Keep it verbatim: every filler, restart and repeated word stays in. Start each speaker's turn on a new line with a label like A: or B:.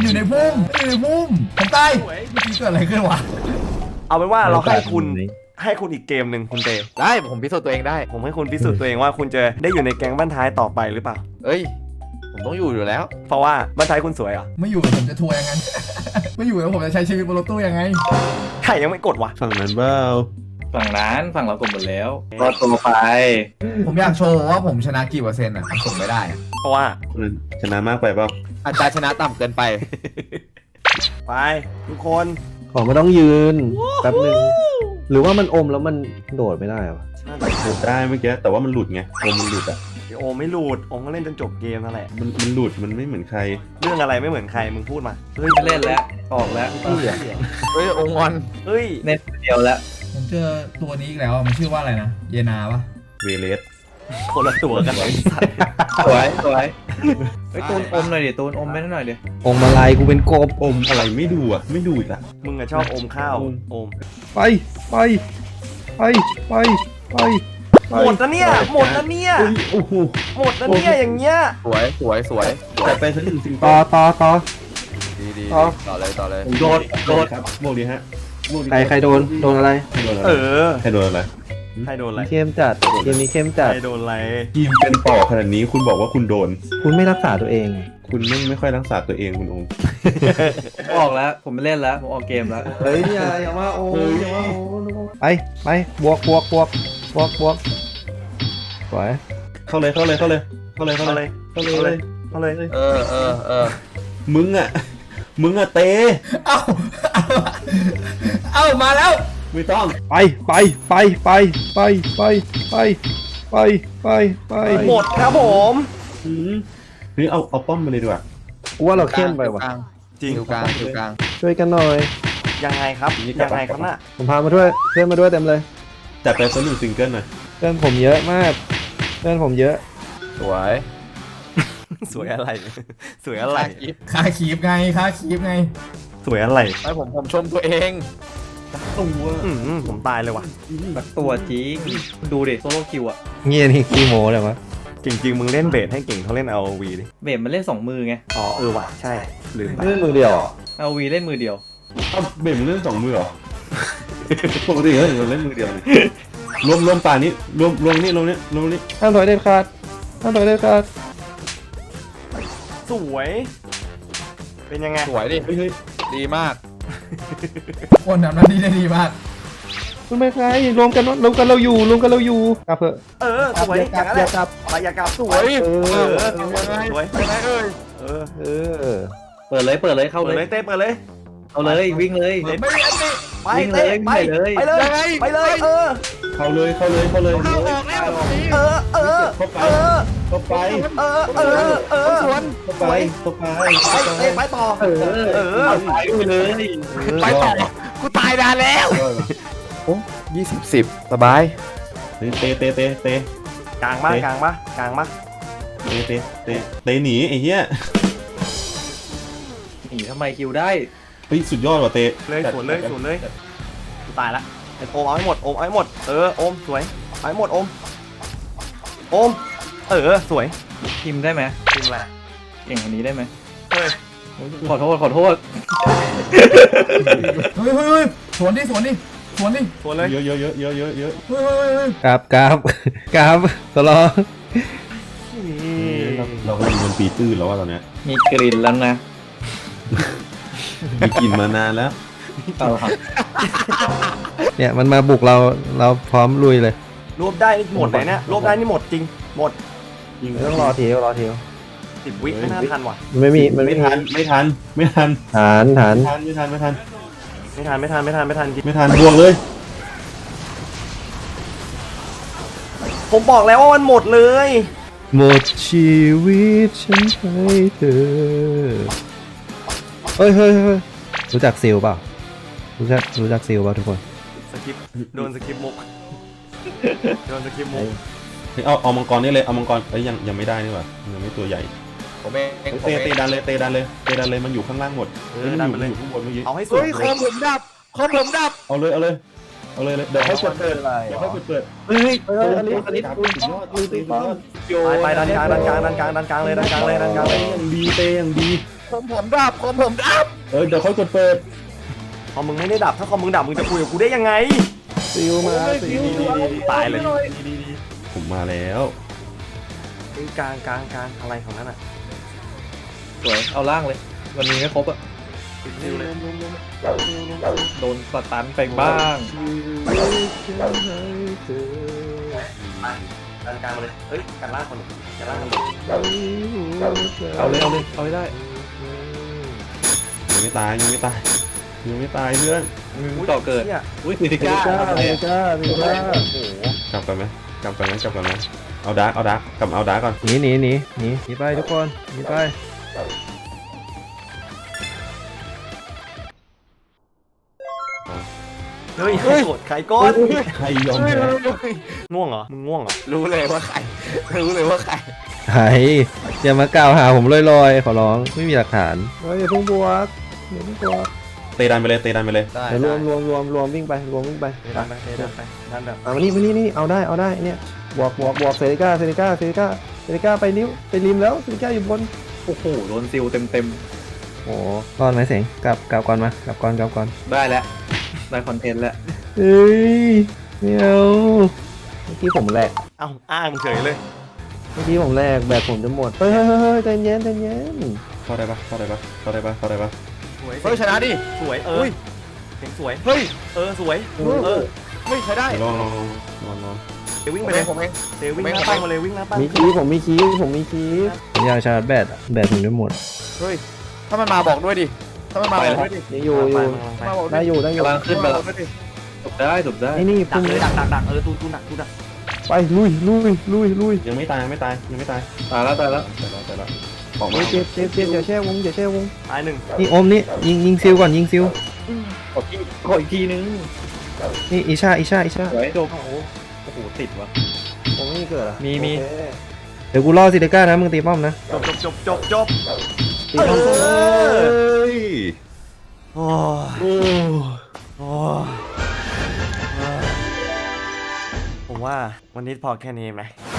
A: มันอยู่ในพุ่มมันอยู่ในพุ่มผมตายเมื่อกี้เกิดอะไรขึ้นวะ
B: เอาเป็นว่าเราให้คุณให้คุณอีกเกมหนึ่งคุณเต
C: ได้ผมพิสูจน์ตัวเองได้
B: ผมให้คุณพิสูจน์ตัวเองว่าคุณจะได้อยู่ในแก๊งบ้านท้ายต่อไปหรือเปล่า
C: เอ้ยผมต้องอยู่อยู่แล้ว
B: เพราะว่าบ้านท้ายคุณสวยเหรอ
A: ไม่อยู่ผมจะทัวร์ยังไงไม่อยู่แล้วผมจะใช้ชีวิตบนรถตู้ยังไง
B: ใครยังไม่กดวะ
D: ฝั่งนั้นเปล่า
E: ฝั่งร้านฝั่งเรากดหมดแล้ว
D: ก็ตัวไป
A: ผมอยากโชว์ว่าผมชนะกี่เปอร์เซ็นต์อ่ะผมส่งไม่ได้
B: เพราะว่า
D: ชนะมากไปเปล่า
C: อัตราชนะต่ำเกินไป
B: ไปทุกคน
D: ของไม่ต้องยืนแป๊บนึงหรือว่ามันอมแล้วมันโดดไม่ได้หรอโดดได้เมื่อกี้แต่ว่ามันหลุดไงอมมันหลุดอ่ะ
B: โอไม่หลุดโอก็เล่นจนจบเกมนั่นแหละ
D: มันมันหลุดมันไม่เหมือนใคร
B: เรื่องอะไรไม่เหมือนใครมึงพูดมา
E: เฮ้ยเล่นแล้วออกแล้ว
C: เฮ้ยองค์งอน
B: เฮ้ย
E: เน็ตเดียวแล้ว
A: ผมเจอตัวนี้อีกแล้วมันชื่อว่าอะไรนะเยนาปะ
D: เวเลส
B: คนละตัวกันเลยสัตว์
E: สวยสวยเฮ้ยตูนอมหน่อยดิตูนอมไม่ได้หน่อยดิ
D: อมอะไรกูเป็นกบอมอะไรไม่ดูอ่ะไม่ดูอีกละ
B: มึงอะชอบอมข้าวอม
D: ไปไปไปไปไป
B: หมดนะเนี่ยหมดนะเนี่ย
D: โอ้โห
B: หมดนะเนี่ยอย่างเงี้ย
C: สวยสวยสวย
D: แต่ไปสักหนึ่งสิ่งต่อต่อต่อ
C: ดีดีต่อเลยต่อเลย
D: โดนโดนครับโมดีฮะใครใครโดนโดนอะไร
B: เออ
D: ใครโดนอะไร
B: ใครโดนอะไร
D: เข้มจัดเกมนี้เข้มจัด
B: ใครโดนอะไร
D: ทีมเป็นต่อขนาดนี้คุณบอกว่าคุณโดนคุณไม่รักษาตัวเองคุณไม่ไม่ค่อยรักษาตัวเองคุณองค์
E: ออกแล้วผมไม่เล่นแล้วผมออกเกมแล้ว
D: เฮ้ยอย่าอย่าว่าโอ้ยอย่าว่าโอ้ไปไปบวกบวกบวกบวกบวกสวยเข้าเลยเข้าเลยเข้าเลยเข้าเลยเข้าเลยเข้าเลยเข้าเลย
C: เออเออเออ
D: มึงอ่ะมึงอ่ะเตะ
A: เอ้าเอ้ามาแล้ว
D: ไม่ต้องไปไปไปไปไปไปไปไปไปไป
B: หมดครับผม
D: นี่เอาเอาป้อมมาเลยดีกว่ากูว่าเราเข้มไปว่ะ
B: จริง
C: อยู่กลางอยู่กลาง
D: ช่วยกันหน่อย
B: ยังไงครับยังไงครับน่ะ
D: ผมพามาด้วยเพื่อนมาด้วยเต็มเลยจัดไปสักหนึ่งซิงเกิลหน่อยเพื่อนผมเยอะมากเพื่อนผมเยอะ
C: สวย
B: สวยอะไรสวยอะไร
A: ค่าคีบไงค่าคีบไง
B: สวยอะไร
C: ไอ้ผมผมชมตัวเอง
D: ตัว
B: ผมตายเลยว่ะ
E: แบบตัวจริงดูดิโซโล่คิวอ่ะ
D: เงี้ยนี่ขี้โม้เลยวะ
B: จริงๆมึงเล่นเบสให้เก่งเขาเล่น อาร์ โอ วี ดิ
E: เบสมันเล่นสองมือไง
B: อ๋อเออว่ะใช่ลืมไป
D: เล่นมือเดียว
E: อาร์ โอ วี เล่นมือเดียว
D: อ้าวเบสมันเล่นสองมือเหรอปกติเขาเล่นมือเดียวรวมรวมป่านี้รวมรวมนี่รวมนี่รวมนี่ห้ามถอยเด็ดขาดห้ามถอยเด็ดขาด
B: สวยเป็นยังไง
C: สวยดิดีมาก
A: คนทำหน้าที่ได้ดีมาก
D: คุณไม่ใช่รวมกันรวมกันเราอยู่รวมกันเราอยู่กลับเถอะ
B: เออสวยอย่างนั้นแหละกลับไปอย่ากลับสวยเออสวยยังไงเอ้ยเออ
D: เออ
E: เปิดเลยเปิดเลยเข้าเลย
B: เต้เปิดเลย
E: เอาเลยวิ่งเลย
B: ไม่อันนี้ไปเต้ไปเลยไปเลยไปเลยเออ
D: เข้าเลยเข้าเลยเข้าเลย
B: เข้าออกแล้วเออเออเออ
D: เข้าไป
B: เออเออเออสวน
D: เข้าไปเข้าไป
B: ไปเต้ไปต่อเออเออ
E: ไปเลย
B: ไปต่อกูตายนานแล้ว
C: โอ้ยี่สิบสิบสบาย
D: เตะเตะเตะเตะ
B: กลางมากลางมากกลางมาก
D: เตะเตะเตะเตะหนีไอ้เหี้ย
E: หนีทำไมคิวได้
D: เฮ้ยสุดยอดว่ะเตะ
B: เลยสวนเลยสวนเลยตายละโอมเอาให้หมดโอมเอาให้หมดเออโอมสวยเอาให้หมดโอมโอมเออสวย
E: พิมได้ไหม
B: พิมอะไร
E: เก่งคนนี้ได้ไหม
B: เฮ้ย
E: ขอโทษขอโทษ
A: เฮ้ยเฮ้ยเฮ้ยสวนดิสวนดิสวนดิ
B: สวนเลย
D: เยอะเยอะเยอะเยอะเยอะเยอะ
A: เฮ้ยเฮ้ยเฮ้ย
D: กราบกราบกราบตลอดเราก็มีบนปีตื้นแล้วว่าตอนเนี้ย
E: มีกลิ่นแล้วนะ
D: มีกลิ่นมานานแล้ว
E: เอาครับ
D: เนี่ยมันมาบุกเราเราพร้อมลุยเลย
B: รวบได้นี่หมดเลยเนี่ยรวบได้นี่หมดจริงหมด
D: จริงต้องรอทีรอที
B: สิบวิไม่น่าทันว่ะ
D: ไม่มีมันไม่ทันไม่ทันไม่ทันทันทันไม่ทันไม่ทัน
B: ไม่ทันไม่ทันไม่ทันไม่ทัน
D: ไม่ทันบวกเลย
B: ผมบอกแล้วว่ามันหมดเลย
D: หมดชีวิตฉันให้เธอเฮ้ยเฮ้ยเฮ้ยรู้จักซิลเปล่ารู้จักรู้จักซิลเปล่าทุกคน
B: สกิปโดนสกิปมุกโดนสกิปมุก
D: เอาเอามังกรนี่เลยเอามังกรเอ้ยยังยังไม่ได้นี่หว่ายังไม่ตัวใหญ่
C: ผมเอง
D: เตะเตะดันเลยเตะดันเลยเตะดันเลยมันอยู่ข้างล่างหมด
B: เออดันไปเลย
D: ข้างบนเมื่อกี้
B: เอาให้สุดเฮ้ยคอมผมดับคอมผมดับ
D: เอาเลยเอาเลยเอาเลยเดี๋ยวให้เปิดเปิดเดี๋ยวให้เปิดเปิดเฮ้ยเฮ้ยอันนี้อันนี้คุณสุดยอดสุดยอด
B: ไปไปดันกลางดันกลางดันกลางดันกลางเลยดันกลางเลยดันกลางเลย
D: อย่างดีเตะอย่างดี
C: ผมผมดับผมผมดับ
D: เออเดี๋ยวค่อยกดเปิด
B: คอมมึงไม่ได้ดับถ้าคอมมึงดับมึงจะคุยกับกูได้ยังไง
D: ซิวมาซิว
B: ตายเลย
D: ผมมาแล้ว
B: ไอ้กลางกลางกลางอะไรของนั้นอ่ะ
E: สวยเอาล่างเลยวันนี้ไม่ครบอะ
B: เร็วเลย
E: โดนสตันไปบ้าง
B: กลางกลางมาเลยเฮ้ยกันล่างคนหนึ่งกันล่างคนหนึ่ง
E: เอาเลยเอาเลยเอาให้ได้
D: ยังไม่ตายยังไม่ตายยังไม่ตายเพื่อน
E: มึงต่อเกิด
B: หี้ย
E: อุ้ยสี่สิบเก้า
D: จ้า
B: โอ้โห
C: กลับกันไหมกลับกันไหมกลับกันไหมเอาดาร์กเอาดาร์กกลับเอาดาร์กก่อน
D: หนีหนีหนีหนีหนีไปทุกคนหนีไป
B: เฮ้ยใครกดใครกด
D: ใครยอมแพ้
B: ง่วงเหรอมึงง่วงเหรอ
C: รู้เลยว่าใครรู้เลยว่าใคร
D: ไอ้อย่ามากล่าวหาผมลอยๆขอร้องไม่มีหลักฐานเฮ้ยอย่าเพิ่งบวกอย่าเพิ่งบวก
C: เตะดันไปเลยเตะดันไปเลย
A: ได้
D: เดี๋ยวร
A: ได้
D: วมรวมรวมรวมวิ่งไปรวมวิ่งไป
B: เดินไปเดินไปเดินแบบ
D: อ่ะมานี่มานี่นี่เอาได้เอาได้เนี่ยบวกบวกบวกเซริก้าเซริก้าเซริก้าเซริก้าไปนิ้วไปริมแล้วเซริก้าอยู่บน
E: โอ้โหโดนซิลเต็มเต็ม
D: โอ้รอดไหมเสียงกลับกลับก่อนมากลับก่อนกลับก่อน
E: ๆได้แล้วได้คอนเทนต์แล้ว
D: เฮ้ยเมียวเมื่อกี้ผมแหลก
B: เอ้าอ้างเฉยเลย
D: เมื่อกี้ผมแหลกแบตผมจะหมดเฮ้ยเฮ้ยเฮ้ยเฮ้ยใจเย็นใจเย็น
C: เข้าได้ปะเข้าได้ปะเข้าได้ปะเข้าได้ปะ
B: สวย
C: เฮ้ยชนะดิ
B: สวยเออเสียงสวย
C: เฮ้ย
B: เออสวยเออ
C: ไม่ใช้ได้
D: ลองลองลองลอง
B: เดี๋ยววิ่ง
C: ผ
B: ไป
C: ม
B: เล
C: เอย งผมเอง
B: เดี๋ยววิ่งหน้าปั้งมาเลยวิ่งหน้าปั้ง
D: มีคีย์ผมมีคีย์ผมมีคีย์ผมอยากชาร์จแบตอะแบตผมจะหมด
C: เฮ้ยถ้ามันมาบอกด้วยดิถ้ามันมาบอกด้วยดิ
D: ยังอยู่อยู่
C: มาบอกด้
D: ได้
C: วย
D: อยู่ได้อยู่
E: กำลังขึ้นไป
C: มาบ
E: แล้
C: อ
E: ว
C: กด้วยดิ
E: จบได้จบได้
D: ไอ้นี่
B: ดั
D: พุ่
B: ก
D: ง
B: เลยดักดักดักเออตูนตูนดักตูนดัก
D: ไปลุยลุยลุยลุย
C: ยังไม่ตายยังไม่ตายยังไม่ตาย
E: ตายแล้วตายแล้ว
C: แต่ละแต่ละออกมา
D: เฮ้ยเจ็บเจ็บเจ็บอย่าแช่วงอย่าแช่วง
B: ตายหนึ่ง
D: นี่อมนี่ยิงยิงซิลก่อนยิงซิล
E: ขออีกขออีกทีนึง
D: นี่อิชาอิชาอิชา
E: สวยจบโอ้โหโอ้โหติดวะ
D: ผมไม่เกิดอ่ะ
E: มีมี
D: เดี๋ยวกูล่อซิลิก้านะมึงตีป้อมนะ
B: จบจบจบจบจบ
D: ตีป้อม
B: เออ
C: เฮ้ย
B: โอ้ยโอ้ยผมว่าวันนี้พอแค่นี้ไหม